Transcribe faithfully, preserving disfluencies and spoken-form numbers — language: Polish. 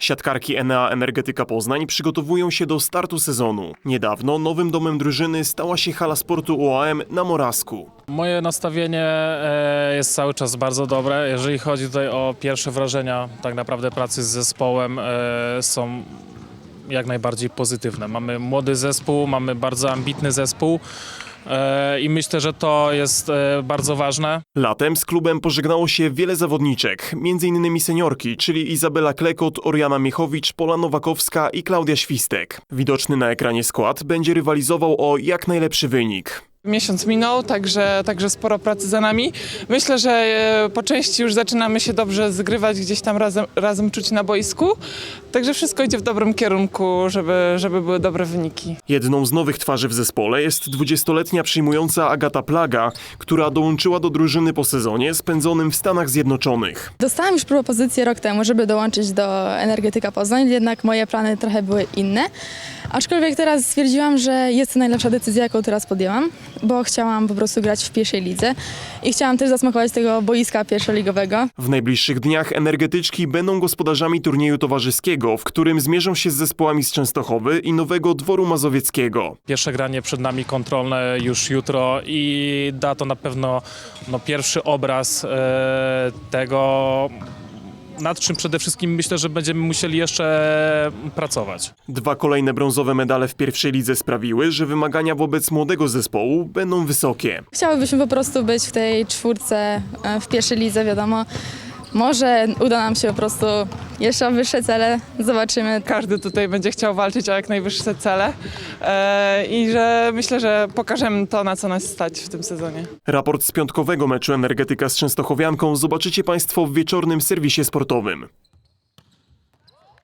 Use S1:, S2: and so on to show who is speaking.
S1: Siatkarki Enea Energetyka Poznań przygotowują się do startu sezonu. Niedawno nowym domem drużyny stała się hala sportu U A M na Morawsku.
S2: Moje nastawienie e, jest cały czas bardzo dobre. Jeżeli chodzi tutaj o pierwsze wrażenia tak naprawdę pracy z zespołem, e, są jak najbardziej pozytywne. Mamy młody zespół, mamy bardzo ambitny zespół e, i myślę, że to jest e, bardzo ważne.
S1: Latem z klubem pożegnało się wiele zawodniczek, między innymi seniorki, czyli Izabela Klekot, Oriana Miechowicz, Pola Nowakowska i Klaudia Świstek. Widoczny na ekranie skład będzie rywalizował o jak najlepszy wynik.
S3: Miesiąc minął, także, także sporo pracy za nami. Myślę, że e, po części już zaczynamy się dobrze zgrywać, gdzieś tam razem, razem czuć na boisku. Także wszystko idzie w dobrym kierunku, żeby, żeby były dobre wyniki.
S1: Jedną z nowych twarzy w zespole jest dwudziestoletnia przyjmująca Agata Plaga, która dołączyła do drużyny po sezonie spędzonym w Stanach Zjednoczonych.
S4: Dostałam już propozycję rok temu, żeby dołączyć do Energetyka Poznań, jednak moje plany trochę były inne. Aczkolwiek teraz stwierdziłam, że jest to najlepsza decyzja, jaką teraz podjęłam, bo chciałam po prostu grać w pierwszej lidze i chciałam też zasmakować tego boiska pierwszoligowego.
S1: W najbliższych dniach energetyczki będą gospodarzami turnieju towarzyskiego, w którym zmierzą się z zespołami z Częstochowy i Nowego Dworu Mazowieckiego.
S2: Pierwsze granie przed nami kontrolne już jutro i da to na pewno no, pierwszy obraz e, tego, nad czym przede wszystkim myślę, że będziemy musieli jeszcze pracować.
S1: Dwa kolejne brązowe medale w pierwszej lidze sprawiły, że wymagania wobec młodego zespołu będą wysokie.
S4: Chciałybyśmy po prostu być w tej czwórce e, w pierwszej lidze, wiadomo. Może uda nam się po prostu jeszcze o wyższe cele, zobaczymy.
S3: Każdy tutaj będzie chciał walczyć o jak najwyższe cele e, i że myślę, że pokażemy to, na co nas stać w tym sezonie.
S1: Raport z piątkowego meczu Energetyka z Częstochowianką zobaczycie Państwo w wieczornym serwisie sportowym.